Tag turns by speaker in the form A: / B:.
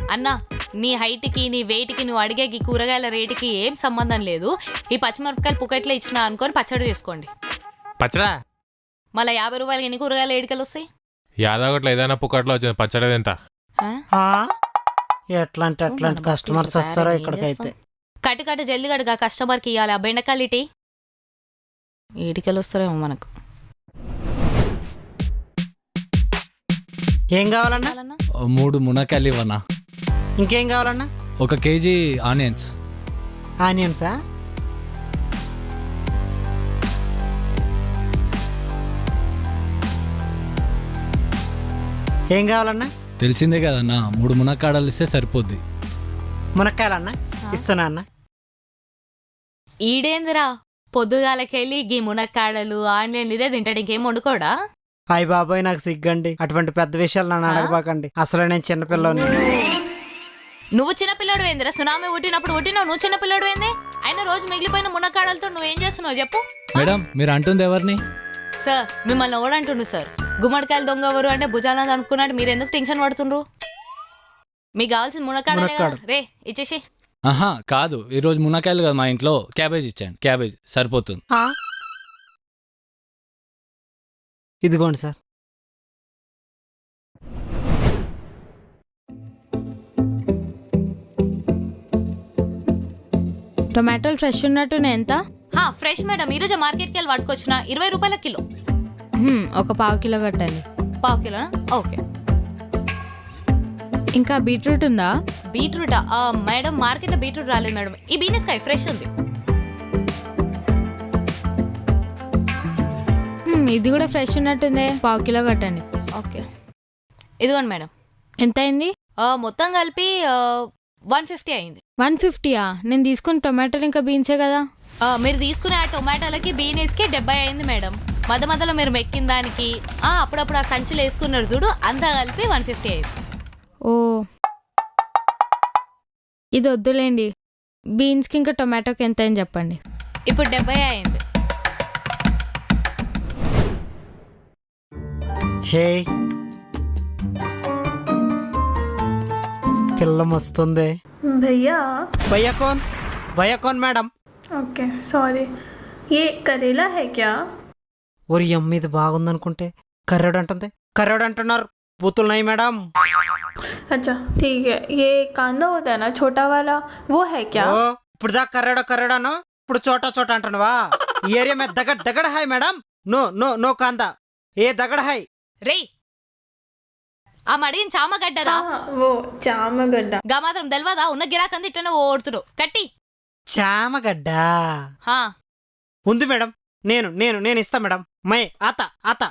A: అన్నా నీ హైట్కి నీ వెయిట్కి నువ్వు అడిగే ఈ కూరగాయల రేటుకి ఏం సంబంధం లేదు. ఈ పచ్చిమిరపకాయలు పుకెట్లో ఇచ్చినా అనుకొని పచ్చడి చేసుకోండి.
B: పచ్చడా
A: మళ్ళీ 50 రూపాయలకి ఎన్ని కూరగాయలు ఏడికలు వస్తాయి?
B: యాదగట్లో ఏదైనా పుక్కట్లో వచ్చింది పచ్చడి ఎంత?
C: ఎట్లాంటి కస్టమర్స్ వస్తారో ఇక్కడికైతే.
A: కట్టు జల్ది కట్టుగా కస్టమర్కి ఇవ్వాలి. ఆ బెండకాయలు ఇటీ ఏడికలు వస్తారేమో మనకు.
C: ఏం కావాలన్నా?
D: 3 మునక్కాయలు ఇవ్వనా?
C: ఇంకేం కావాలన్నా?
D: 1 కేజీ ఆనియన్స్.
C: ఆనియన్సా? ఏం కావాలన్నా?
D: తెలిసిందే కదన్నా, 3 మునక్కాడలు ఇస్తే సరిపోద్ది.
C: మునక్కాయలన్నా ఇస్తున్నా అన్న.
A: ఈడేందిరా పొద్దుగాలకెళ్ళి గీ మునక్కాడలు ఆన్లైన్ ఇదే తింటాడు, ఇంకేం వండుకోడా?
C: అయ్య బాబాయ్ నాకు సిగ్గండి, అటువంటి పెద్ద విషయాలు నన్ను అడగబాకండి. అసలు నేను చిన్నపిల్లని.
A: నువ్వు చిన్నపిల్లడు ఏందిరా? సునామీ పుట్టినప్పుడు పుట్టినావు, నువ్వు చిన్నపిల్లడు ఏంది? అయినా రోజు మిగిలిపోయిన మునక్కాడలతో నువ్వేం చేస్తున్నావు చెప్పు.
D: మేడం మీరు అంటుంది ఎవరిని?
A: సార్ మిమ్మల్ని ఎవడంటుండు సార్? గుమ్మడికాయలు దొంగ ఎవరు అంటే భుజాలని అనుకున్నాడు. మీరు ఎందుకు టెన్షన్ పడుతుండ్రు? మీకు కావాల్సిన మునక్కాడలే కదా, రే ఇచ్చేసి.
D: ఆహా కాదు, ఈరోజు మునక్కాయలు కదా మా ఇంట్లో, క్యాబేజ్ ఇచ్చాను. క్యాబేజ్ సరిపోతుంది.
C: ఇదిగోండి సార్.
E: టొమాటోలు ఫ్రెష్ ఉన్నట్టునే ఎంత?
A: ఫ్రెష్ మేడం, ఈరోజు మార్కెట్కి వెళ్ళి పట్టుకొచ్చిన 20 రూపాయల కిలో.
E: ఒక 1/2 కిలో కట్టండి.
A: 1/2 కిలోనా? ఓకే.
E: ఇంకా బీట్రూట్ ఉందా?
A: బీట్రూటా? మేడం మార్కెట్లో బీట్రూట్ రాలేదు మేడం. ఈ బీనెస్కాయ ఫ్రెష్ ఉంది.
E: ఇది కూడా ఫ్రెష్ ఉన్నట్టుంది, 1/2 కిలో కట్టండి.
A: ఓకే ఇదిగోండి మేడం.
E: ఎంత అయింది?
A: మొత్తం కలిపి 150 అయింది.
E: 150యా? నేను తీసుకున్న టొమాటోలు ఇంకా బీన్సే కదా.
A: మీరు తీసుకునే ఆ టొమాటోలకి బీనెస్కి 70 అయింది మేడం. మధ్యలో మీరు మెక్కిన దానికి అప్పుడప్పుడు ఆ సంచులు వేసుకున్నారు చూడు, అంతా కలిపి 150 అయింది.
E: ఓ ఇది వద్దులేండి. బీన్స్కి ఇంకా టొమాటోకి ఎంత అని చెప్పండి.
A: ఇప్పుడు 70 అయింది.
C: హే పిల్ల వస్తుంది.
F: भैया
C: भैया कौन मैडम?
F: ओके सॉरी, ये करेला है क्या?
C: और यम्मी ఇది బాగుందనుకుంటే కర్రోడు అంటుంది. కర్రోడు అంటున్నారు, బూతులు నై మేడం.
F: अच्छा ठीक है, ये कांदा होता है ना छोटा वाला, वो है क्या?
C: ఓ ఇప్పుడు దా కర్రోడాను, ఇప్పుడు చోటా అంటున్నావా? ఈ ఏరియా మే దగడ హై మేడం. నో కాందా, ఏ దగడ హై.
A: రే ఆ మడిగిన చామగడ్డరా?
F: हाँ वो చామగడ్డ.
A: గా మాత్రం తెలవదా? ఉన్న గిరాకంది ఇట్లనే ఓడుతుడు కట్టి.
C: చామగడ్డ
A: హా
C: ఉంది మేడం. నేను ఇస్తా మేడం. మై ఆత